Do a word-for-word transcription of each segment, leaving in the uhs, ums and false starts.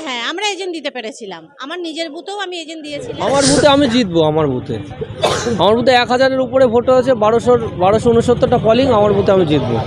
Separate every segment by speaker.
Speaker 1: হ্যাঁ আমরা এজেন্ট দিতে পেরেছিলাম। আমার নিজের বুথেও আমি এজেন্ট দিয়েছিলাম।
Speaker 2: আমার বুথে আমি জিতবো। আমার বুথে আমার বুথে এক হাজারের উপরে ভোট হয়েছে, বারোশো বারোশো উনসত্তরটা কলিং। আমার বুথে আমি জিতবো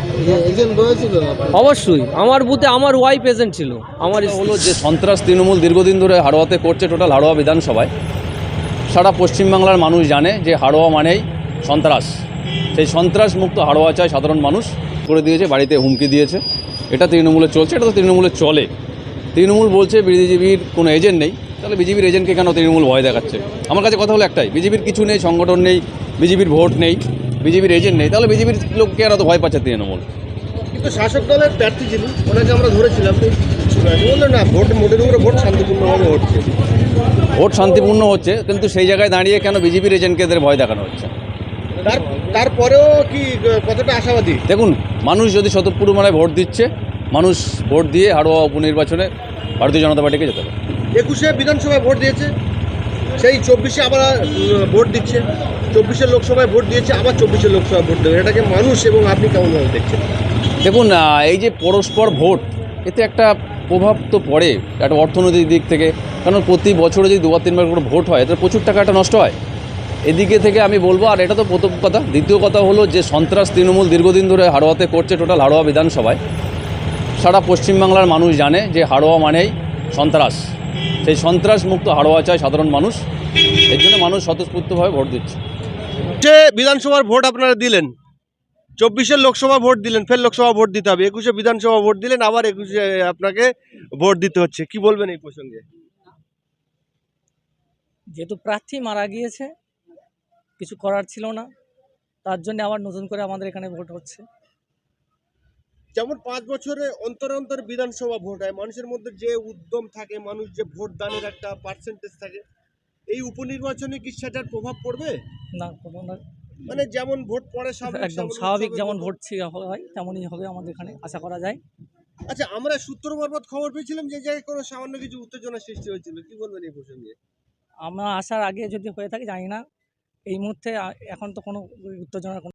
Speaker 2: অবশ্যই। আমার বুথে আমার ওয়াইফ এজেন্ট ছিল। আমার
Speaker 3: হলো যে সন্ত্রাস তৃণমূল দীর্ঘদিন ধরে হাড়োয়াতে করছে, টোটাল হাড়োয়া বিধানসভায় সারা পশ্চিমবাংলার মানুষ জানে যে হাড়োয়া মানেই সন্ত্রাস। সেই সন্ত্রাস মুক্ত হাড়োয়া চায় সাধারণ মানুষ। করে দিয়েছে, বাড়িতে হুমকি দিয়েছে। এটা তৃণমূলে চলছে, এটা তো তৃণমূলে চলে। তৃণমূল বলছে বিজেপির কোনো এজেন্ট নেই, তাহলে বিজেপির এজেন্টকে কেন তৃণমূল ভয় দেখাচ্ছে? আমার কাছে কথা হলো একটাই, বিজেপির কিছু নেই, সংগঠন নেই, বিজেপির ভোট নেই, বিজেপির এজেন্ট নেই, তাহলে বিজেপির লোককে আর অত ভয় পাচ্ছে তৃণমূল?
Speaker 4: কিন্তু শাসক দলের প্রার্থী যিনি, ওনাকে আমরা ধরেছিলাম, বললো না ভোট মোটের উপরে ভোট শান্তিপূর্ণভাবে হচ্ছে।
Speaker 3: ভোট শান্তিপূর্ণ হচ্ছে, কিন্তু সেই জায়গায় দাঁড়িয়ে কেন বিজেপির এজেন্টকে এদের ভয় দেখানো হচ্ছে?
Speaker 4: তার তারপরেও কি কতটা আশাবাদী?
Speaker 3: দেখুন, মানুষ যদি স্বতঃপূর্ণভাবে ভোট দিচ্ছে, মানুষ ভোট দিয়ে হাড়োয়া উপনির্বাচনে ভারতীয় জনতা পার্টিকে যেতে পারে।
Speaker 4: একুশে বিধানসভায় ভোট দিয়েছে, সেই চব্বিশে আবার ভোট দিচ্ছে, চব্বিশের লোকসভায় ভোট দিয়েছে, আবার চব্বিশের লোকসভায় ভোট দেবে। এটাকে মানুষ এবং আপনি কেমনভাবে দেখছেন?
Speaker 3: দেখুন, এই যে পরস্পর ভোট, এতে একটা প্রভাব তো পড়ে একটা অর্থনৈতিক দিক থেকে। কারণ প্রতি বছরে যদি দুবার তিনবার করে ভোট হয়, এতে প্রচুর টাকাটা নষ্ট হয়। এদিকে থেকে আমি বলবো, আর এটা তো প্রথম কথা। দ্বিতীয় কথা হলো যে সন্ত্রাস তৃণমূল দীর্ঘদিন ধরে হাড়োয়াতে করছে, টোটাল হাড়োয়া বিধানসভায় সারা পশ্চিমবাংলার মানুষ জানে যে হাড়োয়া মানেই সন্ত্রাস। সেই সন্ত্রাস মুক্ত হাড়োয়া চায় সাধারণ মানুষ। এর জন্য মানুষ স্বতঃস্ফূর্তভাবে ভোট দিচ্ছে।
Speaker 4: যে বিধানসভার ভোট আপনারা দিলেন, চব্বিশের লোকসভা ভোট দিলেন, ফের লোকসভা ভোট দিতে হবে, একুশে বিধানসভা ভোট দিলেন, আবার একুশে আপনাকে ভোট দিতে হচ্ছে, কি বলবেন এই প্রসঙ্গে?
Speaker 5: যেহেতু প্রার্থী মারা গিয়েছে, কিছু করার ছিল না, তার জন্য আবার নতুন করে আমাদের এখানে ভোট হচ্ছে।
Speaker 4: যেমন পাঁচ বছরে অন্তর অন্তর বিধানসভা ভোট হয়, মানুষের মধ্যে যে উদ্যম থাকে, মানুষ যে ভোট দানের একটা পার্সেন্টেজ থাকে, এই উপনির্বাচনে কি সেটার প্রভাব পড়বে?
Speaker 5: না, কোনো না,
Speaker 4: মানে যেমন ভোট পড়ে স্বাভাবিক,
Speaker 5: একদম
Speaker 4: তেমন
Speaker 5: স্বাভাবিক,
Speaker 4: উৎসবের
Speaker 5: যেমন
Speaker 4: মতো?
Speaker 5: ভোট ছিল হয় তেমনই হবে আমাদের এখানে, আশা করা যায়।
Speaker 4: আচ্ছা, আমরা সূত্র মারফত খবর পেয়েছিলাম যে জায়গায় কোনো সামান্য কিছু উত্তেজনা সৃষ্টি হয়েছিল, কি বলবেন এই প্রসঙ্গে?
Speaker 5: আমরা আসার আগে যদি হয়ে থাকে জানি না, এই মুহূর্তে আ- এখন তো কোনো উত্তেজনার কোনো